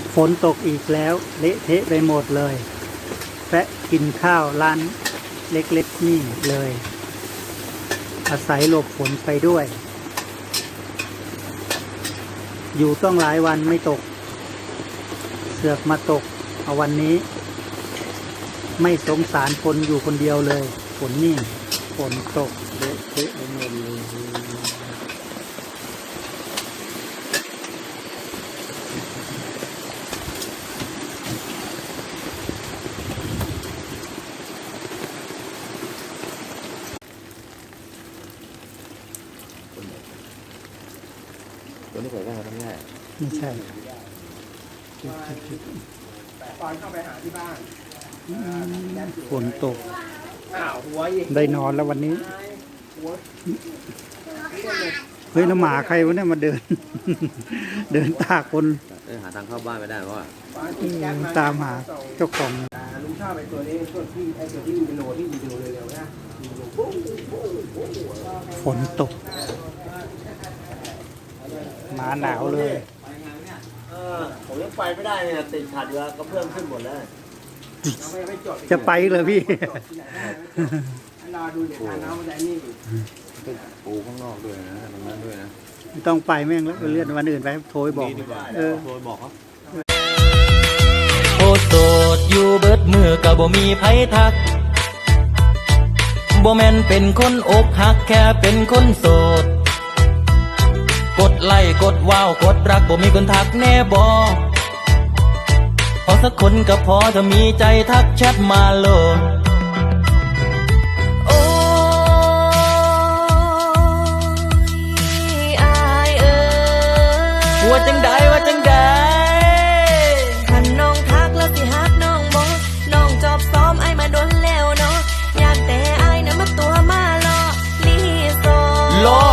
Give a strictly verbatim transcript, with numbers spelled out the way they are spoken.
ฝนตกอีกแล้วเละเทะไปหมดเลยแวะกินข้าวร้านเล็กๆนี่เลย อาศัยหลบฝนไปด้วย อยู่ต้องหลายวันไม่ตก เสือกมาตกเอาวันนี้ ไม่สงสารคนอยู่คนเดียวเลยฝนนี่ฝนตกเละเทะไปหมดเลยตัวนี้เผยได้ทำง่ายไม่ใช่ตอนเข้าไปหาที่บ้านฝนตกอ้าวหัวอีกได้นอนแล้ววันนี้หัวเฮ้ยน้ำหมาใครวะเนี่ยมาเดิน เดินตากคนเออหาทางเข้าบ้านไม่ได้เพราะว่าตามหาเจ้าของลุงชอบไอ้ตัวนี้ตัวที่ไอ้ตัวที่มีโลที่มีโลเร็วๆนะมีโลปุ๊บปุ๊บปุ๊บฝนตกหมาหนาวเลยเออผมยังไปไม่ได้เนี่ยติดขัดอยู่ก็เพิ่มขึ้นหมดแล้วจะไปเลยพี่รอดูเดี๋ยวทานน้ำมันจะนี่ปูข้างนอกด้วยนะตรงนั้นด้วยนะไม่ต้องไปแม่งแล้วเลื่อนวันอื่นไปโทรบอกเออโทรบอกเขาโอโสดอยู่เบิดมือก็บ่มีไผทักบ่แม่นเป็นคนอกหักแค่เป็นคนโสดกดไลค์กดว้าวกดรักบ่มีคนทักแน่บ่พอสักคนก็พอถ้ามีใจทักแชทมาโลดโอ้ยอายเอ้ยว่าจังใดว่าจังใดคันน้องทักแล้วสิฮักน้องบ่น้องจอบซ้อมไอ้มาโดนแล้วเนาะอยากแต่ไอ้น่ะมาตัวมาล่อลีโซรอ